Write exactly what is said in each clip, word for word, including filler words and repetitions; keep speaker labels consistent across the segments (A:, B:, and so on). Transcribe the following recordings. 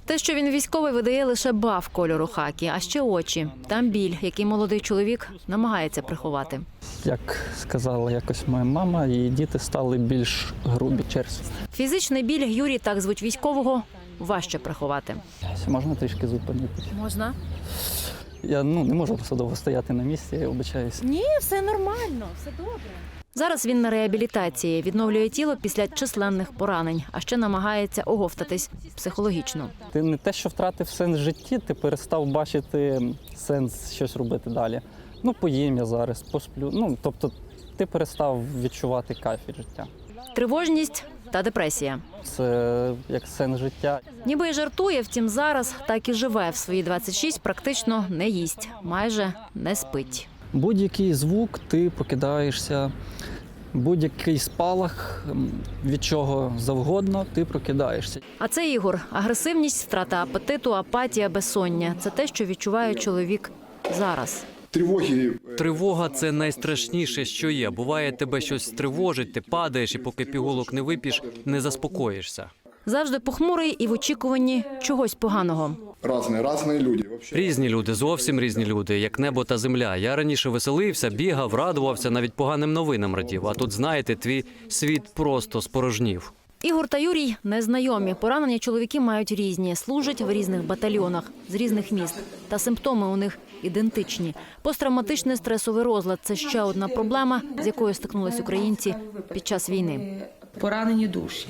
A: Те, що він військовий, видає лише баф кольору хакі, а ще очі. Там біль, який молодий чоловік намагається приховати.
B: Як сказала якось моя мама, її діти стали більш грубі, черстві.
A: Фізичний біль, Юрій, так звуть військового, важче приховати.
B: Можна трішки зупинитися?
A: Можна?
B: Я ну, не можу просто довго стояти на місці, я вибачаюся.
A: Ні, все нормально, все добре. Зараз він на реабілітації, відновлює тіло після численних поранень, а ще намагається оговтатись психологічно.
B: Ти не те, що втратив сенс в житті, ти перестав бачити сенс щось робити далі. Ну, поїм я зараз, посплю. Ну, тобто ти перестав відчувати кайф від життя.
A: Тривожність та депресія.
B: Це як сенс життя.
A: Ніби й жартує, втім зараз так і живе. В свої двадцять шість практично не їсть, майже не спить.
B: Будь-який звук, ти прокидаєшся, будь-який спалах, від чого завгодно, ти прокидаєшся.
A: А це Ігор. Агресивність, втрата апетиту, апатія, безсоння – це те, що відчуває чоловік зараз.
C: Тривоги.
D: Тривога – це найстрашніше, що є. Буває, тебе щось тривожить, ти падаєш і поки пігулок не вип'єш, не заспокоїшся.
A: Завжди похмурий і в очікуванні чогось поганого.
C: Різні, різні люди. Вообще.
D: Різні люди, зовсім різні люди, як небо та земля. Я раніше веселився, бігав, радувався, навіть поганим новинам радів. А тут, знаєте, твій світ просто спорожнів.
A: Ігор та Юрій незнайомі. Поранення чоловіки мають різні, служать в різних батальйонах, з різних міст. Та симптоми у них ідентичні. Посттравматичний стресовий розлад – це ще одна проблема, з якою стикнулись українці під час війни.
E: Поранені душі.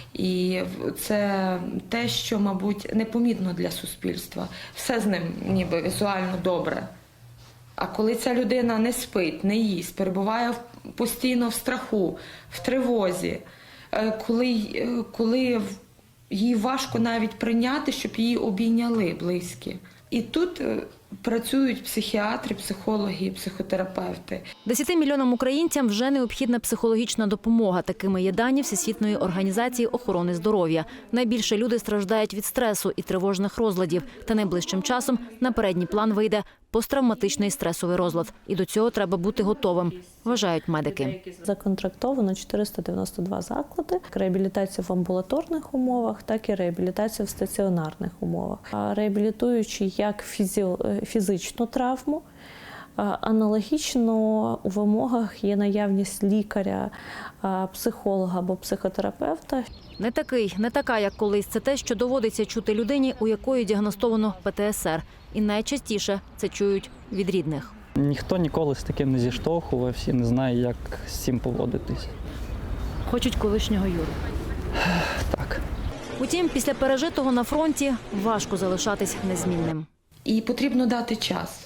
E: І це те, що, мабуть, непомітно для суспільства. Все з ним ніби візуально добре. А коли ця людина не спить, не їсть, перебуває постійно в страху, в тривозі, коли, коли їй важко навіть прийняти, щоб її обійняли близькі. І тут працюють психіатри, психологи, психотерапевти.
A: Десяти мільйонам українцям вже необхідна психологічна допомога. Такими є дані Всесвітньої організації охорони здоров'я. Найбільше люди страждають від стресу і тривожних розладів. Та найближчим часом на передній план вийде посттравматичний стресовий розлад. І до цього треба бути готовим, вважають медики.
F: Законтрактовано чотириста дев'яносто два заклади. Реабілітація в амбулаторних умовах, так і реабілітація в стаціонарних умовах. Реабілітуючи як фізичну травму, аналогічно у вимогах є наявність лікаря, психолога або психотерапевта.
A: Не такий, не така, як колись. Це те, що доводиться чути людині, у якої діагностовано Пе Те Ес Ер. І найчастіше це чують від рідних.
B: Ніхто ніколи з таким не зіштовхувався, не знає, як з цим поводитись.
A: Хочуть колишнього Юру.
B: Так.
A: Утім, після пережитого на фронті важко залишатись незмінним.
E: І потрібно дати час.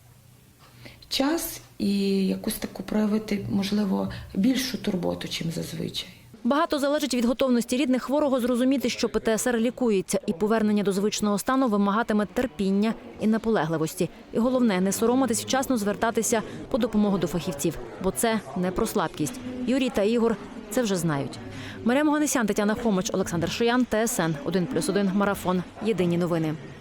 E: Час і якусь таку проявити, можливо, більшу турботу, чим зазвичай.
A: Багато залежить від готовності рідних хворого зрозуміти, що Пе Те Ес Ер лікується, і повернення до звичного стану вимагатиме терпіння і наполегливості. І головне – не соромитись вчасно звертатися по допомогу до фахівців, бо це не про слабкість. Юрій та Ігор це вже знають. Марія Моганесян, Тетяна Хомич, Олександр Шиян, Те Ес Ен один плюс один, Марафон. Єдині новини.